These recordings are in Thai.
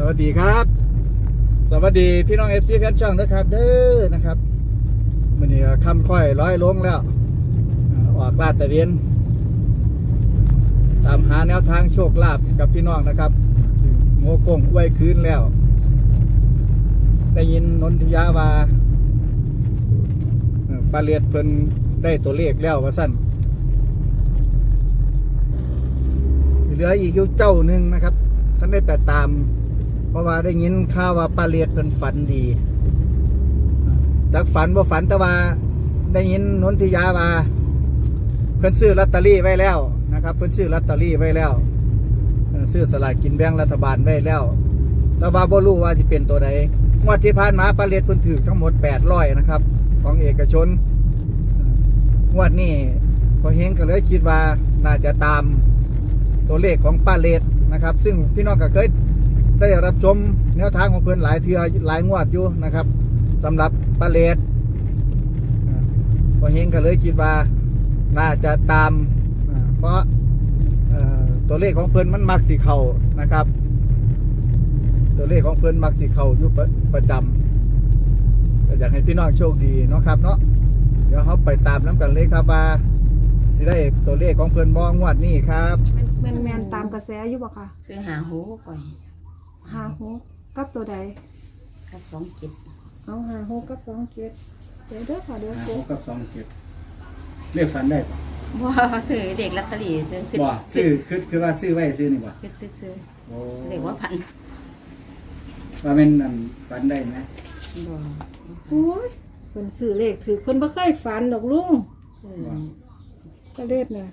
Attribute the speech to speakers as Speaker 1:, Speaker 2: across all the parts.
Speaker 1: วัสดีครับสวัสดีพี่น้องFC แฟนช่องนะครับเด้อนะครับมื้อนี้ค่ำค่อยร้อยลงแล้วออกลาดตระเวนตามหาแนวทางโชคลาภกับพี่น้องนะครับโงกงไว้คืนแล้วได้ยินนนทิยาว่าปลาเลียดเพิ่นได้ตัวเลขแล้วว่าสั่นเหลืออีกอยู่เจ้าหนึ่งนะครับท่านได้ไปตามเพราะว่าได้ยินข่าวว่าปลาเลียดเพิ่นฝันดีจากฝันบ่ฝันแต่ว่าได้ยินนนทิยาว่าเพิ่นซื้อลอตเตอรี่ไว้แล้วนะครับเพิ่นซื้อลอตเตอรี่ไว้แล้วซื้อสลากกินแบ่งรัฐบาลไว้แล้วแต่ว่าบ่รู้ว่าสิเป็นตัวใดงวดที่ผ่านมาปลาเลียดเพิ่นถูกทั้งหมด800นะครับของเอกชนงวดนี้พอเฮงก็เลยคิดว่าน่าจะตามตัวเลขของปลาเลียดนะครับซึ่งพี่น้องก็เคยได้รับชมแนวทางของเพิ่นหลายเทื่อหลายงวดอยู่นะครับสำหรับปลาเลียดพอเฮงก็เลยคิดว่าน่าจะตามเพราะตัวเลขของเพิ่นมันมักสิเข้านะครับตัวเลขของเพิ่นมักสิเข้าอยู่ประจำอยากให้พี่น้องโชคดีเนาะครับเนาะเดี๋ยวเขาไปตามน้ำกันเลยครับว่าสิได้ตัวเลขของเพิ่นบ่งวดนี้ครับ
Speaker 2: แมนตามกระแสอยู่บ่ค่ะ
Speaker 3: ซื้อหาหูก่อน
Speaker 2: หาหูกับตัวใด
Speaker 3: กับ27
Speaker 2: เอาหาหูกับ27เดี๋ยวเด้อค่ะเดี๋ยว
Speaker 1: 6กับ27เลขฝันได้ปะ
Speaker 3: บ่ซื้อเด็กลอตเตอรี่ซื้อ
Speaker 1: บ่ซื้อคือว่าซื้อไว้ซื้อนี่บ่
Speaker 3: ซื้อ
Speaker 1: โอ้
Speaker 3: เด็กว่าพัน
Speaker 1: ว่าแม่นนั่นฝันได้ไหม
Speaker 3: บ่
Speaker 2: โอ้ยเพิ่นซื้อเลขถือเพิ่นบ่เคยฝันดอกลุงก็เลขน่ะ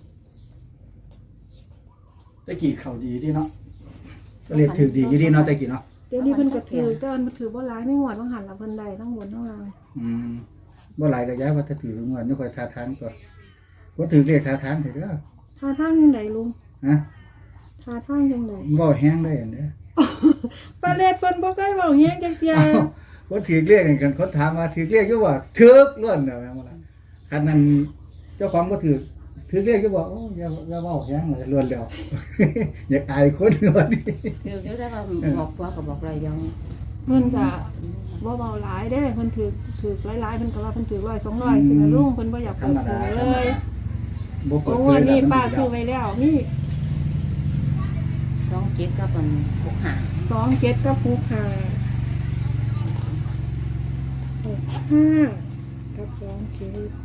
Speaker 1: ตะกี้เข้าดีดีเนาะเลขถือดีอยู่ดีเนาะตะกี้เนาะ
Speaker 2: เดี๋ยวนี้เพิ่นก็ถือก็มันถือบ่หลายไม่หวดบ่หันละเพิ่นได้ทั้งบนทั้งล่าง
Speaker 1: บ่หลายก็ย้ายว่าถ้าถืองวดนี่ค่อยท่าทางตัวบ่ถือเลขท่าทางเถอะเด้อ
Speaker 2: ท่าทางจังไดลุง
Speaker 1: ฮะ
Speaker 2: ท่าทางจังได
Speaker 1: บ่แห้งได้อันเด้อ
Speaker 2: ปลาเลขเพิ่นบ่เคยเว้าแฮงจักเที่ย
Speaker 1: คนถือเลขกันคนถามว่าถือเลขอยู่บ่ถือล้วนแล้วแม่นบ่ล่ะคันนั้นเจ้าของบ่ถือเลขอยู่บ่โอ้อย่าเว้าแฮงเลยล้วนแล้วอยากอายคนล้วนนี่
Speaker 3: เดี๋ยวแต่ว่าบอกว่าก็บอกอะไรยัง
Speaker 2: เพิ่นก็บ่เว้าหลายเด้เพิ่นถือหลายๆเพิ่นก็ว่าเพิ่นถือ100 200สินะลุงเพิ่นบ่อยากเปิดเผยเลย
Speaker 1: บ่เปิด
Speaker 2: เผยนี่ป้าซื้อไว้แล้วนี่
Speaker 3: 27กับมัน
Speaker 2: 27กับ65กับ27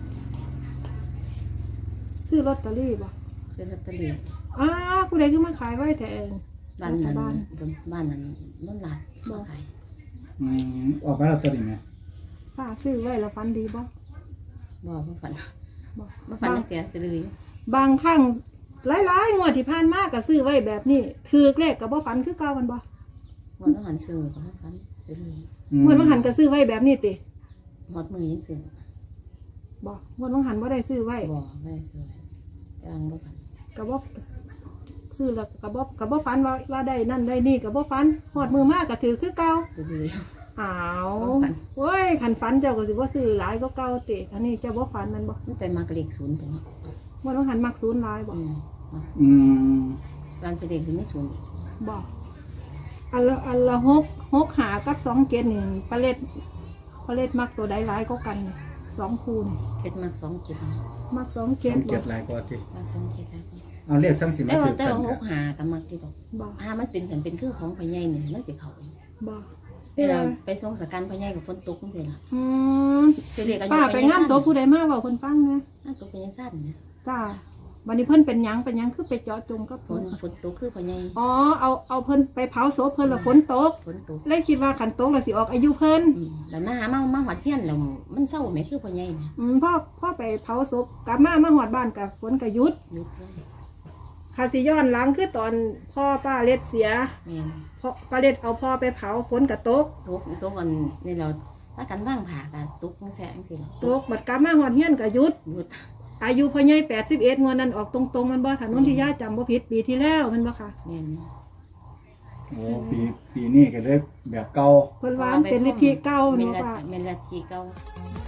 Speaker 2: ซื้อลอตเตอรี่บ่
Speaker 3: ซื้อลอตเตอรี่
Speaker 2: ผู้ใดคือมาขายไว้แต่เอง
Speaker 3: บ้านนั้นนั่นหลานบ่ขาย
Speaker 1: ออกมาลอตเตอรี่มั้ย
Speaker 2: ป้าซื้อไว้แล้วฝันดีบ่
Speaker 3: ฝันบ่ฝันจักเที่ยซื้อเลย
Speaker 2: บางครั้งหลายๆงวดที่ผ่านมาก็ซื้อไว้แบบนี้ถือเลขก็บ่ฝันคือเก่ามันบ่
Speaker 3: บ่ต้องหันซื้อก็บ่ฝันซื้อเลย
Speaker 2: งวดบางหันก็ซื้อไว้แบบนี้ติ
Speaker 3: หมดมือยังซื้อ
Speaker 2: บ่งวดบางหันบ่ได้ซื้อไว้
Speaker 3: บ่ได้ซื้อจังบ่ฝัน
Speaker 2: ก็บ่ซื้อแล้วก็บ่ฝันว่าได้นั่นได้นี่ก็บ่ฝันฮอดมือมาก็ถือคือเก่า
Speaker 3: ซื้อเลย
Speaker 2: อ้าวโอ้ยคันฝันเจ้าก็สิบ่ซื้อหลายก็เก่าติอันนี้เจ้าบ่ฝันมันบ่
Speaker 3: มันเป็นมากเลข0ไปเนาะ
Speaker 2: บ่ต้องหันมัก0หลายบ่
Speaker 3: ตอนสิเลขสิมี0อีก
Speaker 2: บ่อันละ6หากับ27นี่ปลาเล็ดมักตัวใดหลายกว่ากันนี่2คู่นี่
Speaker 3: เฮ็ดมัก27
Speaker 2: มัก27
Speaker 1: หลายกว่าติ
Speaker 3: มัก27หลายกว่า
Speaker 1: เอาเรียกสั่งสิมาถือ
Speaker 3: แต่ว่า6หากับมักที่ดอกมันเป็นคือของพ่อใหญ่นี่มันสิเข้า
Speaker 2: บ่
Speaker 3: เวลาไปส่งสการพ่อใหญ่กับฝนตกจังซี่ล่ะสิเลขอายุ
Speaker 2: ป้าไปงานศพผู้ใดมาเว้าเพิ่นฟังนะ
Speaker 3: งานศพพ่อใหญ่สั้นนะ
Speaker 2: จ้าวันนี้เพิ่นเป็นหยังคือไปเจาะจงกับ
Speaker 3: ฝนตกคือพ่อใหญ่
Speaker 2: เอาเพิ่นไปเผาศพเพิ่นแล้วฝนตกเลยคิดว่าคันตกแล้วสิออกอายุเพิ่น
Speaker 3: แล้วมาหอดเฮียนแล้วมันเศร้าแม่คือพ่อใหญ่น่ะ
Speaker 2: พ่อไปเผาศพกลับมาหอดบ้านกับฝนก็หยุดค่ะสิย้อนหลังคือตอนพ่อป้าเล็ดเสียพ่อป้าเล็ดเอาพ่อไปเผาฝนก็ตก
Speaker 3: วันนี่เราถ้ากันว่างผ่าก็ตกจังซี่
Speaker 2: ตกบัดกลับมาหอดเฮียนก็หยุดอายุพ่อใหญ่81งวดนั้นออกตรงๆมันบ่ถนนที่ย่าจำบ่ผิดปีที่แล้วมันบ่ค่ะ
Speaker 3: แม่น
Speaker 1: โอ้ปีนี้ก็เลยแบบเก่า
Speaker 2: เพิ่นว่าเป็นวิธีเก่า
Speaker 3: เนาะค่ะแม่นลัทธิเก่า
Speaker 4: ท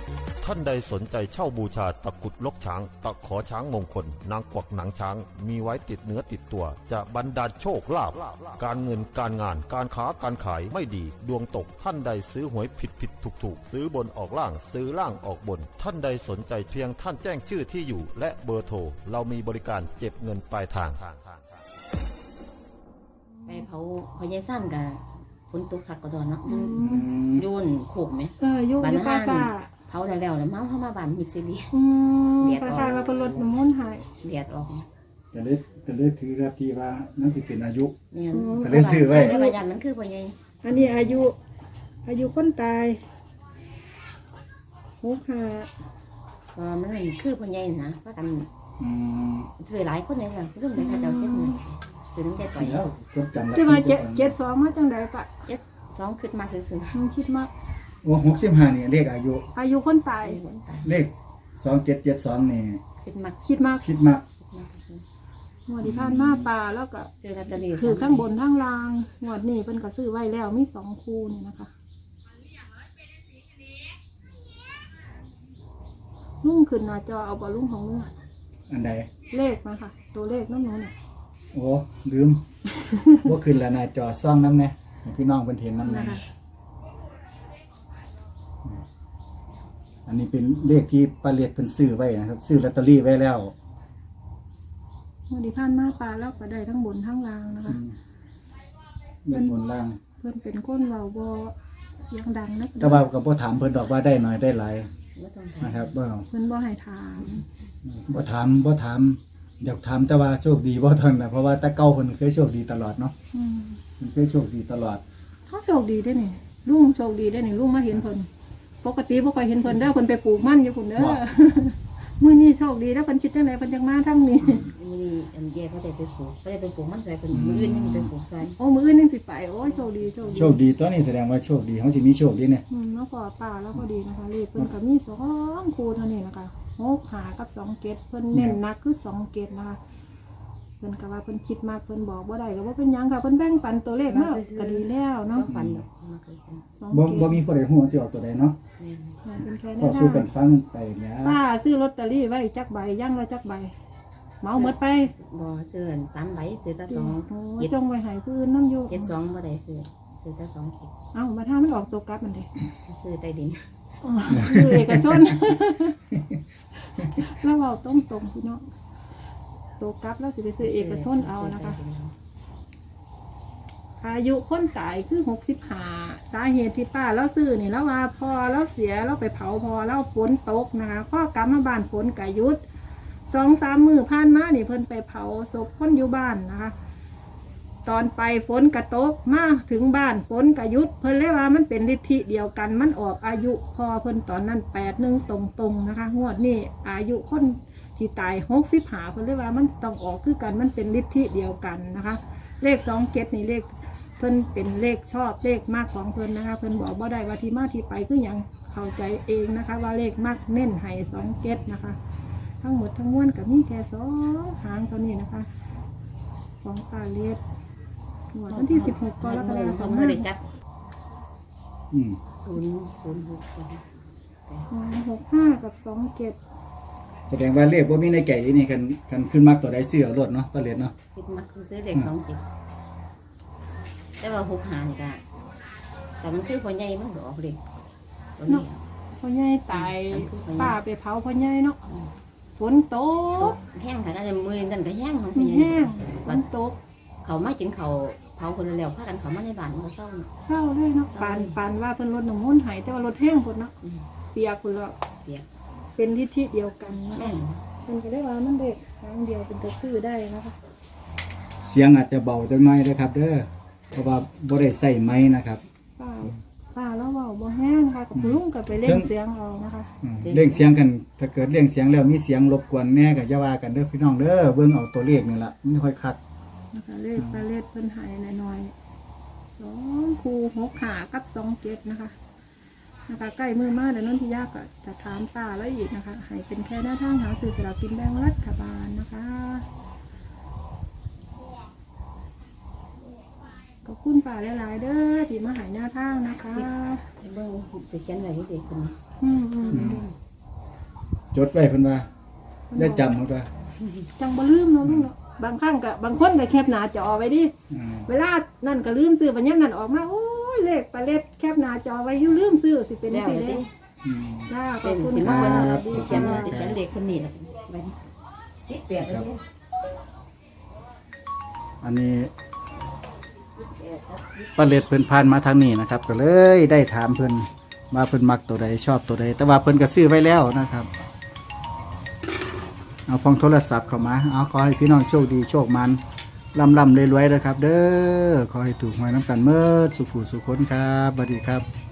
Speaker 4: ท่านใดสนใจเช่าบูชาตะกรุดลกช้าง ตะขอช้างมงคล นางกวักหนังช้าง มีไว้ติดเนื้อติดตัว จะบรรดาลโชคลาภการเงินการงานการค้าการขายไม่ดีดวงตกท่านใดซื้อหวยผิดถูกซื้อบนออกล่างซื้อล่างออกบน ท่านใดสนใจเพียงท่านแจ้งชื่อที่อยู่ และเบอร์โทรเรามีบริการเก็บเงินปลายทาง
Speaker 3: ไปเผาพญายสั้นกับฝนตกคักกระดอนเนาะยุ่นโขกไหม
Speaker 2: อยู่
Speaker 3: บ้าน
Speaker 2: อยู่
Speaker 3: ห้า
Speaker 2: ป้าน ซ่า
Speaker 3: เผาแล้วแล้วมาเข้ามาบ้านมิดซิลี
Speaker 2: คล้ายๆว่าเพิ่นลดน้ำมนต์ให้
Speaker 3: เลียดออก
Speaker 1: ก็เลยถือรับที่ว่านั่นสิเป็นอายุ
Speaker 3: เนี่ย
Speaker 1: ก็เลยซื้อไว้
Speaker 3: ในบ้านยันมันคือพญาย
Speaker 2: อันนี้อายุคนตาย65
Speaker 3: มันคือพญายนะว่ากัน
Speaker 1: อืม
Speaker 3: ซื้อหลายคนเลยค่ะรุ่นเลยค่ะเจ้าเส้นเลยซื้อน้ำใจต่อย
Speaker 1: แล้วก็จำได้
Speaker 2: ที่ว่า72มาจังได๋ปะ
Speaker 3: 2ขึ้นมาคือซื้อ
Speaker 2: มันคิดมาก
Speaker 1: โอ้65นี่เลขอายุ
Speaker 2: อายุคนตาย
Speaker 3: คนตาย
Speaker 1: เลข2772นี่
Speaker 3: ขึ้นมา
Speaker 2: คิดมาก
Speaker 1: คิดมาก
Speaker 2: งวดที่ผ่านมาป่าแล้วก็
Speaker 3: ซื้อลอตเตอรี่
Speaker 2: คือข้างบนข้างล่างงวดนี้เพิ่นก็ซื้อไว้แล้วมี2คู่นี่นะคะลุงขึ้นหน้าจอเอาบ่ลุงของลุงอะ
Speaker 1: อันใด
Speaker 2: เลขมาค่ะ ตัวเลขนั่นนู้นน่ะ
Speaker 1: โอ้ลืม ว่าขึ้นแล้วหน้าจอซ่องน้ำแน่ให้พี่น้องเพิ่นเห็นน้ำแน่
Speaker 2: นะคะ
Speaker 1: อันนี้เป็นเลขที่ป้าเลียดเพิ่นซื้อไว้นะครับ ซื้อลอตเตอรี่ไว้แล้ว
Speaker 2: งวดที่ผ่านมาป่าแล้วก็ได้ทั้งบนทั้งล่างนะคะ
Speaker 1: เงินบนล่าง
Speaker 2: เพิ่นเป็นคนเว้าบ่เสียงดังนะ
Speaker 1: แต่ว่าก็บ่ถามเพิ่นดอกว่าได้น้อยได้หลาย
Speaker 3: ไม่ต้อง
Speaker 1: นะครับบ่
Speaker 2: เพิ่นบ่ให้ถาม
Speaker 1: บ่ถามอยากถามแต่ว่าโชคดีบ่เท่านั้นแหละเพราะว่าแต่เก่าเพิ่นเคยโชคดีตลอดเนาะ
Speaker 2: อืม
Speaker 1: เพิ่นเคยโชคดีตลอด
Speaker 2: เขาโชคดีได้อนี่ลุงโชคดีได้อนี่ลุงมาเห็นเพิ่นปกติบ่ค่อยเห็นเพิ่นเด้อเพิ่นไปปลูกมันอยู่พุ่นเด้อ มื้อนี้โชคดีแล้วเพิ่นคิดจังไดเพิ่นจังมาทางนี้
Speaker 3: มีอันเย่เขาได้ไปปลูกเขาได้ไปปลูกมันใส่เป็นมืออื่นยังไปปลูกใส่
Speaker 2: โอ้มื้ออื่นยังสิไปโอ้ยโชคดีโชคดี
Speaker 1: โชคดีตัวนี้แสดงว่าโชคดีเฮาสิมีโชคดีเนี่ย
Speaker 2: แล้วพอป่าแล้วพอดีนะคะเลขเพิ่นก็มี2คู่เท่านี้นะคะ6 5กับ2เกตเพิ่นเน้นหนักคือ2เกตนะคะเพิ่นก็ว่าเพิ่นคิดมากเพิ่นบอกบ่ได้ก็บ่เป็นหยังค่ะเพิ่นแบ่งปันตัวเลขมาก็ดีแล้วเนาะ
Speaker 3: ก็ฟันดอกมาเคยซื้อ
Speaker 2: 2
Speaker 1: บ่
Speaker 2: เก
Speaker 1: บ่
Speaker 2: ต
Speaker 1: มีผู้ใดฮู้ว่าสิออกตัวใดเนาะ
Speaker 3: เนี่ย
Speaker 2: เป็นแค่
Speaker 1: พอ
Speaker 2: นี้
Speaker 1: สู้กันฟังไปเนี่ย
Speaker 2: ป้าซื้อลอตเตอรี่ไว้จักใบย่างละจักใบเหมาหมดไป
Speaker 3: บ่ซื้ออัน3 ใบซื้อแต่
Speaker 2: โอ้
Speaker 3: 2
Speaker 2: ย
Speaker 3: เจ็ด
Speaker 2: จงไว้ให้ผู้อื่นนํอยู่
Speaker 3: 2บ่ได้ซื้อแต่2เจ็ด
Speaker 2: เอ้ามาถ้ามันออกตัวกลับมันเด้
Speaker 3: ซื้อใต้ดิน
Speaker 2: คือเอกชน แล้วเราต้องตรงพี่น้องตัวกลับแล้วสิไปซื้อเอกชนเอานะคะ อายุคนตายคือ65สาเหตุที่ป้าแล้วซื้อนี่แล้วว่าพอแล้วเสียแล้วไปเผาพอแล้วฝนตกนะคะข้อกลับมาบ้านฝนกะยุด2-3 มื้อผ่านมานี่เพิ่นไปเผาศพคนอยู่บ้านนะคะ ตอนไปฝนกระตกมาถึงบ้านฝนกระยุดเพิ่นเลยว่ามันเป็นฤทธิเดียวกันมันออกอายุพอเพิ่นตอนนั้น81ตรงๆนะคะงวดนี้อายุคนที่ตาย65เพิ่นเลยว่ามันต้องออกคือกันมันเป็นฤทธิเดียวกันนะคะ เลข27นี่เลขเพิ่นเป็นเลขชอบเลขมากของเพิ่นนะคะเพิ่นบอกบ่ได้ว่าที่มาที่ไปคือหยังเข้าใจเองนะคะ ว่าเลขมากเน้นให้27นะคะ ทั้งหมดทั้งมวลก็มีแค่2หางเท่านี้นะคะ ของปลาเลียดหวดวันที่16กรกฎาค
Speaker 3: เขา
Speaker 2: ม
Speaker 3: ไม่ได้จัด
Speaker 1: อืม
Speaker 2: 65กับ27
Speaker 1: แสดงว่าเลขบ่มีในไก่นี่คันขึ้นมากตัวใดซื้อเอารถเนาะป้าเลียดเนาะ
Speaker 3: คิดมักซื้อเด็ก2เจ็ดแต่ว่า6หานี่ก็แต่มันคือพ่อใหญ่มันก็ออกเด็กตัวนี้
Speaker 2: พ่อใหญ่ตายป้าไปเผาพ่อใหญ่เนาะฝนต
Speaker 3: ต
Speaker 2: ก
Speaker 3: กแห้งค่ะก็จะมือนั่นก็แห้งของพ่อใหญ่
Speaker 2: แห้งฝนตก
Speaker 3: เขามากินเขาเผาคนแล้วพากันเขามาในบ้านมันก็เศร้า
Speaker 2: เศร้าเลยเนาะปานว่าเพิ่นรถน้ำมนต์หายแต่ว่ารถแห้งพุ่นเนาะเปียกพุ่นแล้ว
Speaker 3: เปียก
Speaker 2: เป็นทิศที่เดียวกันนะ
Speaker 3: แม่น
Speaker 2: เพิ่นก็ได้ว่ามันเด็กทางเดียวเป็นตัวซื้อได้นะคะ
Speaker 1: เสียงอาจจะเบาจังหน่อยเด้อครับ เด้อเพราะว่าบ่ได้ใส่ไม้นะครับ
Speaker 2: ป้าแล้วเว้าบ่แห้งนะคะกับลุงก็ไปเล่นเสียงเอานะคะ
Speaker 1: เร่งเสียงกันถ้าเกิดเร่งเสียงแล้วมีเสียงรบกวนแน่ก็อย่าว่ากันเด้อพี่น้องเด้อเบิ่งเอาตัวเลขนี่ล่ะมันค่อยคัก
Speaker 2: นะคะเลขปลาเล็ดเพิ่นใหายหน่อยๆ2คู่6ขากับ27นะคะใกล้มือมาแล้วนนทิยาก็จะถามป้าแล้วอีกนะคะให้เป็นแค่หน้าทางหาซื้อสลากกินแบ่งรัฐบาลนะคะขอบคุณป้าหลายๆเด้อที่มาใหายหน้าทางนะคะ
Speaker 3: เบิ่งสิเขียนไว้ให้เด็กคนนี้
Speaker 2: อืม
Speaker 1: จดไว้เพิ่นว่าได้จำเพิ่นว่า
Speaker 2: จังบ่ลืมเนาะลุงเนาะบางครั้งก็บางคนก็แคปหน้าจอไว้ดิ
Speaker 1: อืม
Speaker 2: เวลานั่นก็ลืมซื้อบัดยามนั้นออกมาโอ้ยเลขปลาเล็ดแคปหน้าจอไว้อยู่ลืมซื้อสิเป็น
Speaker 3: แล้ว
Speaker 2: สิ
Speaker 3: เลย
Speaker 2: เด้
Speaker 1: อืม
Speaker 2: จ้าข
Speaker 3: เป็
Speaker 2: อบ
Speaker 3: น
Speaker 2: คุณ
Speaker 3: สิ
Speaker 2: ค่ะ
Speaker 3: มา
Speaker 1: ครับ
Speaker 3: สิเขียนสิเขียนเด็กคนนี้ล่ะไปนี่เปลี่ยนแล้วนี่
Speaker 1: อันนี้ปลาเล็ดเพิ่นผ่านมาทางนี้นะครับ ก็เลยได้ถามเพิ่นว่าเพิ่นมักตัวใดชอบตัวใดแต่ว่าเพิ่นก็ซื้อไว้แล้วนะครับ เอาพองโทรศัพท์เข้ามาเอาขอให้พี่น้องโชคดีโชคมันร่ำรวยๆนะครับ เด้อขอให้ถูกหวยน้ำกันเมื่อสุขุสุขคนครับสวัสดีครับ